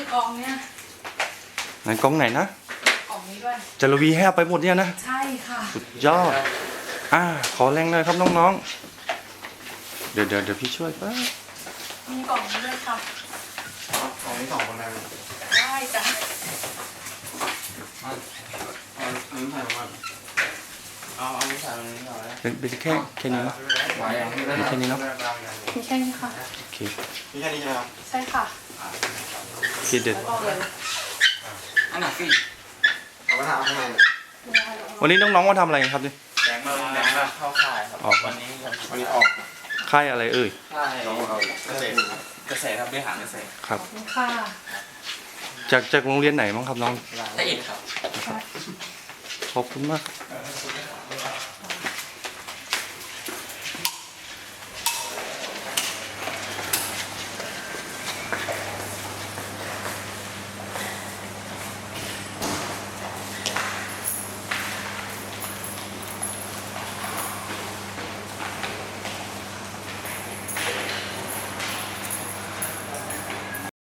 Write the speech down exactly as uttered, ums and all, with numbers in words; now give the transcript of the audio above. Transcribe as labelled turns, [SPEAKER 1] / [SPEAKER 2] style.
[SPEAKER 1] กล่องเนี่ย
[SPEAKER 2] ไหนกล่องไหนนะ
[SPEAKER 1] กล่องนี้ด้วย
[SPEAKER 2] จารวีให้เอาไปหมดเนี่ยนะ
[SPEAKER 1] ใช่ค่ะ
[SPEAKER 2] สุดยอดอ่าขอแรงเลยครับน้องๆเดี๋ยวเดี๋ยวเดี๋ยวพี่ช่วยป่ะ
[SPEAKER 1] มีกล่องนี้ด้วยค่ะ
[SPEAKER 3] กล่องนี้สองคนได้ไหม
[SPEAKER 1] ได้จ้ะ
[SPEAKER 3] เอาเอาอันนี้ใส่มาเอาเอาอันนี้ใส่ตรงนี้ก่อนเลย
[SPEAKER 2] เป็นเป็นแค่แค่นี้เนาะมีแค่นี้เนาะ
[SPEAKER 1] มีแค่นี้ค่ะ
[SPEAKER 2] โอเค
[SPEAKER 3] มีแค่นี้ใช่ไหมครับ
[SPEAKER 1] ใช่ค่ะ
[SPEAKER 2] โอเคเด็ด
[SPEAKER 3] อันไหนสิเอาไปทำข้างใน
[SPEAKER 2] วันนี้น้องๆมาทำอะไรกันครับนี่
[SPEAKER 3] แดงมาแดงมาเข้าค่ายครับวันนี้วันนี้ออก
[SPEAKER 2] ค่ายอะไรเอ่ย
[SPEAKER 3] ค่ายเกษตรเกษตรครับบริหารเกษตร
[SPEAKER 2] ครับ
[SPEAKER 1] ขอบคุณค่ะ
[SPEAKER 2] จากจากโรงเรียนไหนบ้างครับน้อง
[SPEAKER 3] ละเอียดครับ
[SPEAKER 2] ขอบคุณมาก